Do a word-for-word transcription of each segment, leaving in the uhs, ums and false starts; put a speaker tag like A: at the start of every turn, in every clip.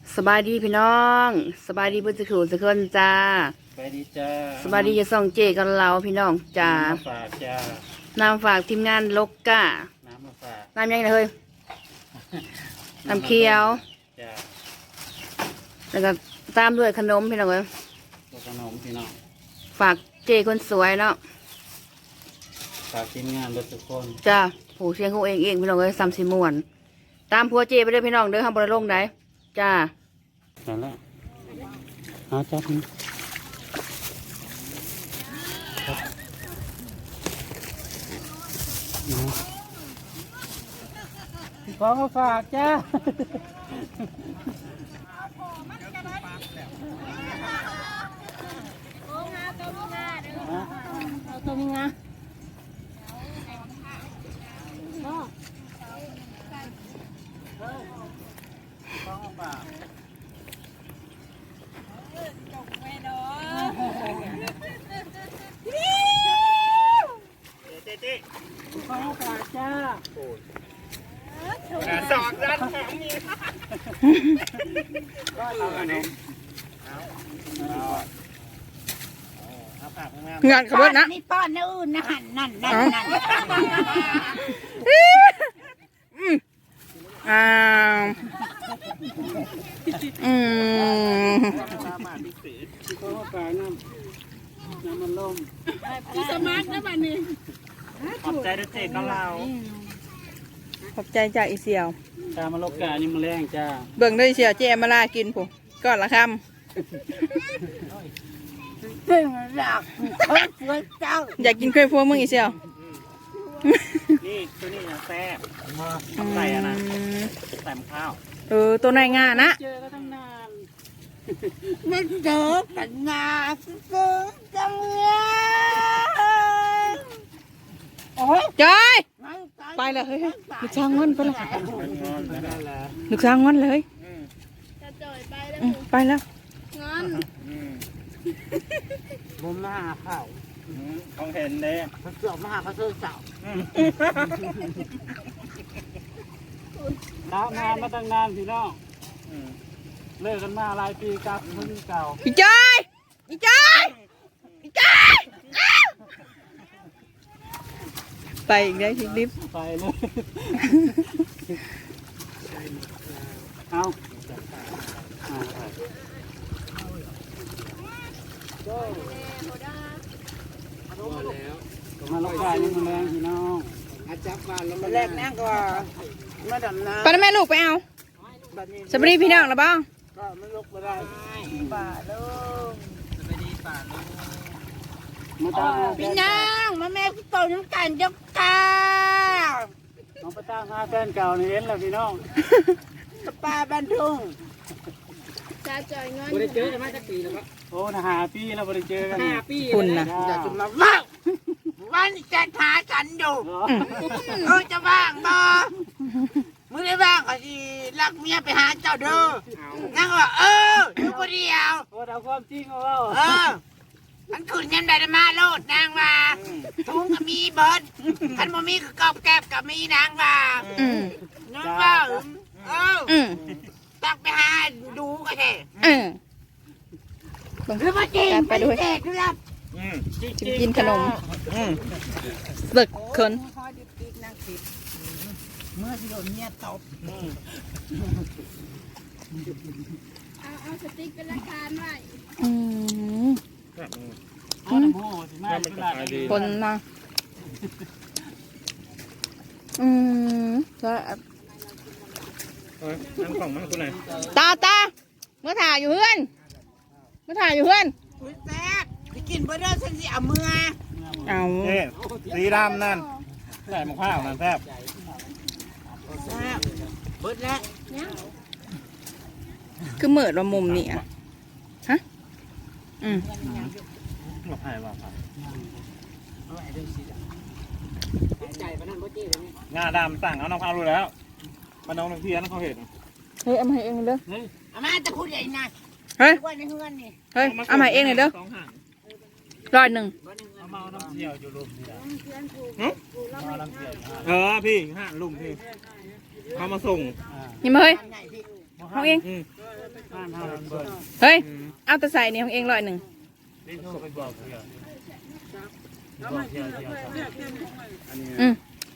A: สบายดีพี่น้องสบายดีเพื่อนจะขู่จะเคินจ้า
B: สบายดีจ้า
A: สบายดีจะส่องเจกันเราพี่น้องจ้า
B: น้ำฝากจ้า
A: น้ำฝากทีมงานลกก้า
B: น้ำมาฝาก
A: น้ำยังไงเฮ้ยน้ำเคียว
B: จ้า
A: แล้วก็ตามด้วยขนมพี่น้องเอ้ย
B: ตัวขนมพี่น้อง
A: ฝากเจคนสวยเนาะ
B: ฝากทีมงานรถทุกคน
A: จ้าผู้เชียงเขาเองเองพี่น้องเอ้ยซ้ำสิม่วนตามพัวเจไปเลยพี่น้องเด้อห้ามบริลงได้จ้า
B: นั่นแหละหาจับนี่ของมาฝากจ้า
A: ตัวมีงา
B: จ้าสองด้านของมีก็เอาอันนี้
A: งานขบวนนะ
C: นี่ป้อนนู่นนั่นนั่นนั่นนั่น
A: อ้าวอืม
B: น้ำมันล่ม
C: พี่สมาร์ทนะบ้านนี้
B: ขอบใจด้วยเจ๊ก็เรา
A: ขอบใจจากอีเสี่ยว
B: ชามาลกกานี่มันแรงจ้า
A: เบิ่งด้วยเสี่ยวเจมาลากินผมก่อนละคำ
C: เรื่องรักคนสวยเจ้า
A: อยากกินเคยพวกมึงอีเสี่ยว
B: นี่ตัวนี้นะแซ่บใส่อะนะใส่มะพร้าว
A: เออตัวไหนงานะ
B: เจอก็ตั้งนาน
C: ไม่เจอกันนานเจอจังเลยโอ้ย
A: จอยไปเลยเฮ้ยลูกช้างงอนไปเลยลูกช้างงอนเลย
C: จะจอยไปแล้ว
A: ไปแล้ว
C: งอน
B: มุมหน้าข้าวเขาเห็นเลย
C: เขาเสือกมาหาเขาเสือกเสา
B: น้ำนานมาตั้งนานพี่น้องเลิกกันมาหลายปีกับคนเก่า
A: พี่จอยพี่จอยพี่จอยไปอีกได้ทีลิฟ
B: ไปเลยเอามาลงกายนี่มันแรงพี่น้องอาจับบ้านแล้วมัน
C: แรกนั่งก็มาดำน้ำ
A: ไปแม่ลูกไปเอาสวัสดีพี่น้องนะบ้าง
B: ก็ไม่ลุกมาได้
C: ป่าลูก
B: สวัสดีป่าลูกมาตา
C: พี่นางมาแม่พี่โตน้ำกันยกกา
B: น้องไปตั้งหาแฟนเก่านี่เห็นแล้วพี่น้อง
C: ปลาบันทุ่ง
B: จะจอยเงินบริเจอกันมาจากปีแล้วครับโอ้นะหาปีแล้วบริเจอกัน
C: ห้าปี
A: คุณนะ
C: อยากจะมาว่างวันจะหาฉันอยู่เออจะว่างบ่มึงได้ว่างก็สิรักเมียไปหาเจ้าเด้อนั่งว่าเอออยู่คนเดียว
B: โอ้เอาความจริงเอา
C: เออมันขึ้นยันได้มาโลดนางว่าถุงก็มีเบิร์ดขันบ่มีก็กอบแกบก็มีนางว่านั่งว่าเออตักไปหาดูก็ได้หรือว่าจริงไปด้วยครับ
A: กินขนมสึกคน
C: เมื่อที่โดนเมียตบเอาเอาสติ๊กเป็นราคาหน่อย
A: อืมคนมาอืมก็
B: นั่งกล่องมันคุณไหน
A: ตาตาเมื่อถ่ายอยู่เพื่อนเมื่อถ่ายอยู่เพื่อน
C: แซ่บจะกินเบอร์เดอร์ฉันสิเอาเมื่อ
A: เอา
B: สีดำนั่นใส่มะพร้าวนั่นแซ่บ
C: เบิร์ดแล้ว
A: คือเหมือนว่ามุมนี่อ่ะฮะอืม
B: หลบหายว่าครับงาดำสั่งเอาน้ำพร้าวรู้แล้วมาน้องน้ำเพี้ยนเขาเห็น
A: เฮ้ยเอามาให้เองเลย
C: เอามาจะพูดใหญ่นะ
A: เฮ้ย
C: ในเฮือนนี่
A: เฮ้ยเอามาเองเลยเด้อร้อยหนึ่ง
B: เอามาน้ำเที่ยวอยู่ลุมนี่เออพี่ห้าลุมพี่เขามาส่ง
A: นี่มาเฮ้ยเอาเอง
B: บ้านเฮาเบิ่ง
A: เฮ้ยเอาแต่ใส่นี่ของเองร้อยหนึ่ง
B: ได้โทรไปบอกเพื่อนบอกเพื่อนเพื่อน
A: อืม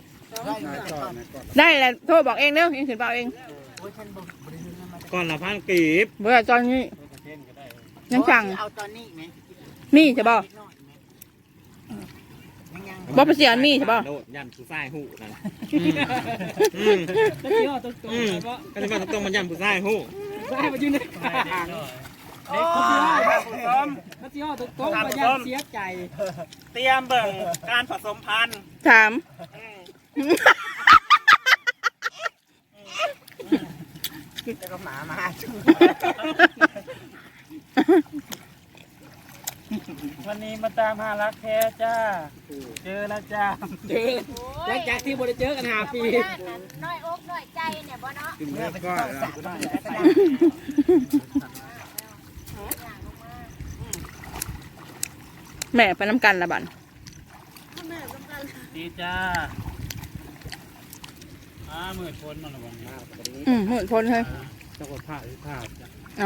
A: ได้แล้วโทรบอกเองเด้อเองถึงเปล่าเอง
B: ก่อนละพันกีบ
A: เบื่อตอนนี้ยังสั่ง
C: เอาตอนนี้ไหม
A: มีใช่ป่ะบ่ไปเสียมีใช่ป่ะ
B: โดดยันผู้ชายหูนั่น
A: อืม
D: ก็เที่ยวตรงๆ
B: อืม
D: เพราะ
B: ก็จะมาต้องมันยันผู้ชายหู
D: ได้มาอยู่ในห่าง
C: โอ้ย
D: ก็เที่ยวตรงๆก็ยังเสียใจ
B: เตรียมเบิ่งการผสมพันธุ์
A: ถาม
C: จะก็หมามาจุ
B: วันนี้มาตามหารักแท้จ้าเจอแล้วจ้า
D: เจอหลังจากที่บริเจอกันห้าปี
E: น้อยอกน้อยใจเนี่ยบ่เนาะ
C: เมื่อไปต้องสั่งได้
A: แม่ไปน้ำกันละบัน
B: ดีจ้าอ้าหมื่นคนมาละวันนี้
A: อืมหมดพ้นเลย
B: จะกดผ้าหรือผ้าจ้ะ
A: เอา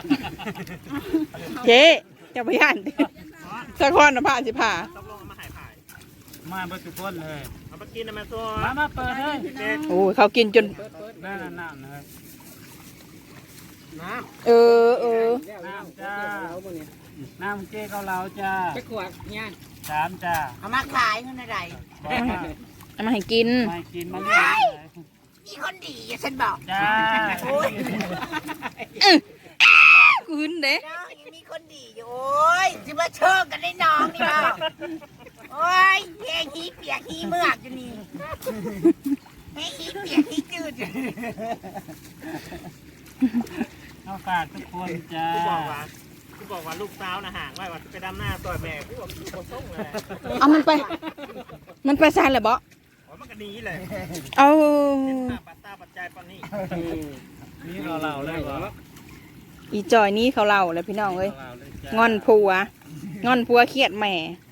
A: เจ๊จะไปย่านดิสะคอนนะผ่าสิผ่า
B: ต้องลงมาหายผ่ายมาเบิดทุกคนเลยเอาไปกินนะแม่ตัวมามาเปิดเลยเด็ก
A: โอ้ยเขากินจน
B: ได้น้ำน้ำนะครับ
A: เออเออ
B: น้ำจ้าน้ำเจ๊เกาเหลาจ้า
D: จะขวดเนี่ย
B: สามจ้า
C: เอามาขายเงินอะไร
A: เอามาให้กิน
B: ไม่กินมาเรื่อย
C: มีคนดีอย่าฉันบอก
B: จ้า
C: โอ้ย
A: คืนเด้
C: น้องยังมีคนดีอยู่โอ้ยจะมาเชิงกันได้น้องนี่บ่โอ้ยเฮ้ยฮีเปียกฮีเมือกอยู่นี่เฮ้ยฮีเปียกฮีจืดอยู่
B: เอาฝากทุกคนจ้าที่บอกว่าที่บอกว่าลูกสาวนะห่างไว้ว่าไปดำหน้าต่อยแม่พี่บอกพี่บอกส่งเลย
A: เอามันไป มันไปซานเลยบ่
B: อ๋อมันก็หนีเลย
A: เอา
B: ตาปัดตาปัดใจปันนี่นี่เราเราเลยเหรอ
A: อีจอยนี้เขาเล่าเลยพี่น้องเอ้ยงอนผัวงอนผัวเครียดแม่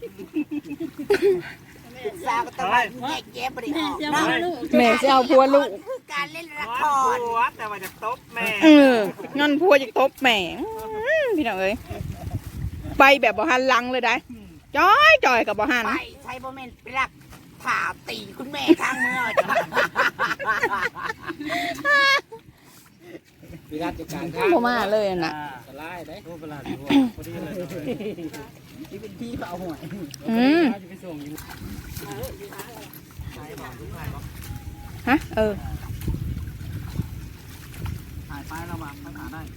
C: สาวก็ต้องมาแยกแยะบริออกเนาะ
A: แม่จะเอาผัวลูก
C: คือการเล่นละคร
B: แต่ว่าจะตบแม่
A: เอองอนผัวจะตบแม่อื้อพี่น้องเอ้ยไปแบบบ่หันหลังเลยได้จอยจอยกับบ่หัน
C: ไปใช้โมเมนต์ไปรักผ่าตีคุณแม่ทางเมื่อจ้ะ
D: วิราชการ
A: บ่มาเลยน่ะ
D: สลายได้
B: รูปประหลาดพอดีเลย
D: ที่เป็นที่เปล่าหวย
A: อืม
D: จะไปส่งอยู่
A: ฮะเออ
B: ถ่ายไประหว่างภาษาได้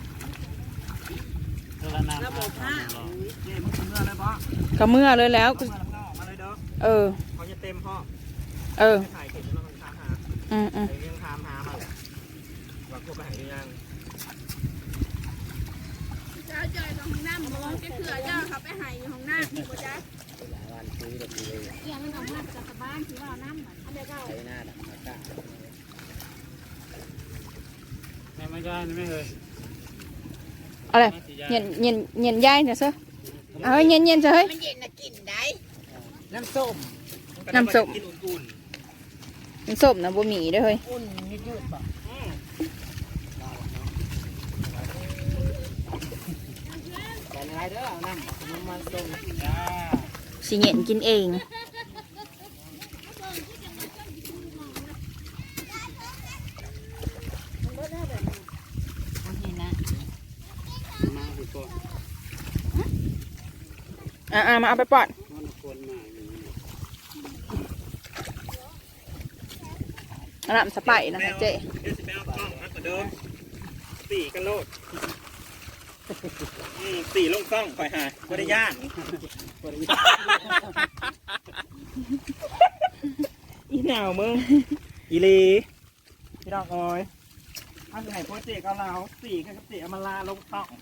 B: เจอแล้วนำระบบห้าเจ๊มึงเมื่อไรบ้าง
A: ก็เมื่อเลยแล้ว
B: เมื่อแล้วออกมาเลยเด้อ
A: เออ
B: เขาจะเต็มห้อง
A: เออ
B: ถ่ายเก็บแล้วมันถามหา
A: อืมอืม
B: ไอ้เรื่องถามหามาเลยว่ากูไปหายัง
E: เจ้าจอยของห้องน้ำบ่จะเถื่อเจ้าเขาไปหายอยู่ห้องน้ำบ่จ๊ะเกี่ยงมันออกมาจากบ้านที่ว่าน้ำอันเดียวก็
B: แม่ไม่ได้ไม่เลย
A: อะไรเย็นเย็นเย็นย่ายเนี่ยซะเอาเย็นเย็นซะเฮ้ย
C: มันเย็นนะกินได้
D: น้ำส้ม
A: น้ำส้ม
B: กินอุ่น
A: มันส้มนะบ่มีเด้อเฮ้ย
C: อุ่นยืดๆบอก
D: แต่อะไรเด้อเอาน้ำน้ำมันส้ม
B: ๆจ้า
A: สิเย็นกินเอง
C: นี่นะ
B: มาดีกว่า
A: อ่ามาเอาไปปอด
B: มันควรมา
A: อันนั้นสไปร์นะคะเจ๊
B: เดี๋ยวสิไปเอากล้องนะกว่าเดิมสี่กันโลดอืมสี่ลงกล้องคอยหาบริยานอีหนาวมึงอีลีพี่ดอกอ้อยเอาสิไหนโปรเจกต์เอาเราสี่กับสี่เอามาลาลงกล้องเขา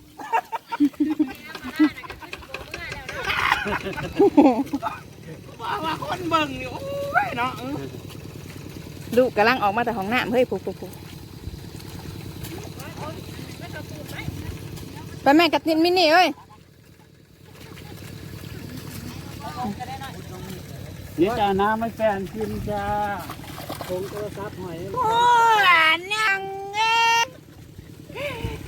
B: ว่าว่าคนเบิ่งนี่โอ้ยเนาะ
A: ลูกกำลังออกมาแต่ห้องน้ำเฮ้ยปุ๊บปุ๊บปุ๊บไปแม่กัดนินมินี่เอ้ย
B: นี่จ้าน้ำไม่แฟนกินจ้าคงโทรศัพท์หอย
C: โอ้ยนังเอ้ย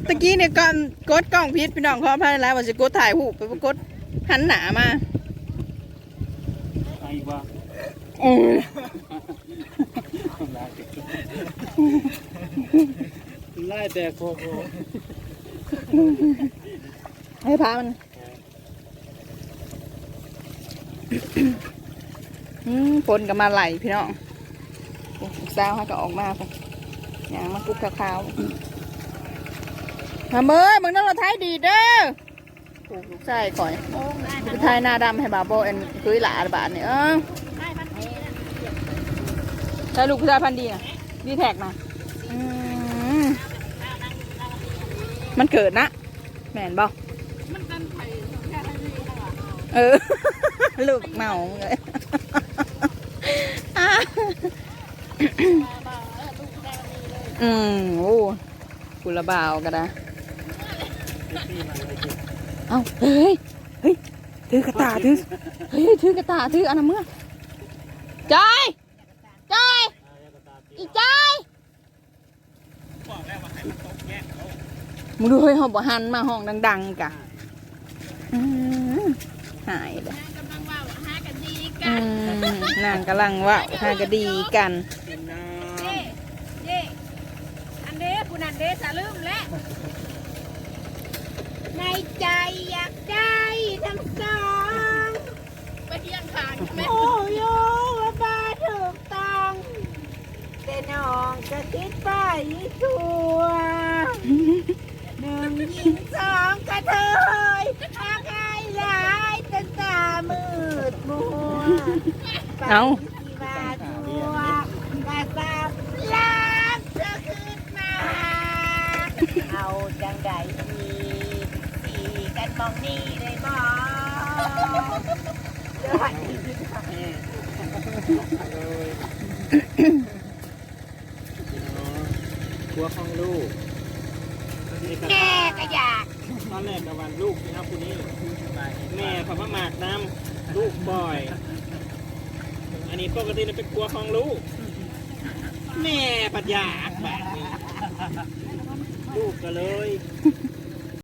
A: ตะกี้เนี่ยก่อนกดกล้องพิษพี่น้องขออภัยแล้วว่าจะกดถ่ายหูปไปกดหันหนามา
B: ไอ้ว่า
A: อือ
D: ไล่แต่โคโค
A: ให้พามันอืมฝนก็มาไหลพี่น้องโอ้สาวให้ก็ออกมาค่ะอย่างมากุ๊กขาวๆมาเมื่อมึงนั่งรถไทยดีเด้อโอ้ลูกชายก่อยลูกชายหน้าดำให้บาโบเอ็นคุยหลาบาทเนี่ยเออใช่ลูกผู้ชายพันธุ์ดีนะดีแท็กนะอืมมันเกิดนะแม่นบ่
E: มันกันไผ่แค่นี้แล้วอ่ะ
A: เออ ลูกเมาเลยอ่ะอืมโอ้กุละบ่าวกันนะเอ้าเฮ้ยเฮ้ยถือกระตาถือเฮ้ยถือกระตาถืออันนั้นเมื่อจอยจอยอีจอยมึงดูเฮ้ยหอบบ่หันมาห้องดังๆกะอืมหายเลย
E: กำลังว่าหากันดี
A: อื
E: กัน
A: มนางกำลังว่าหากะดีกัน
B: กินน้
E: เย่เย่อันเด้ผู้นั้นเด้สะลืมแล้วในใจอยากได้ทั้งสองไปเที่ยงทางแม่
C: โอ้โยว่าบ้าถูกต้องแต่น้องก็คิดไปทั่วหนึ่งยิงสองกระเทยหากไอ้หลายจนตามืดมัว
A: เอา
C: ที่มาทั่วกระซับล้างเธอขึ้นมา เอาจังใดดีสีกันมองนี่เลยบอสวัสดีค่ะ
B: ำกลัวของลูก
C: แม่ก็อยาก
B: ตอนแรกกับวันลูกนะครับคุณนี้แม่เขามาหมากน้ำลูกบ่อย อันนี้ปกติเราเป็นกลัวของลูก แม่ปัญญาแบบนี้ลูกก็เลย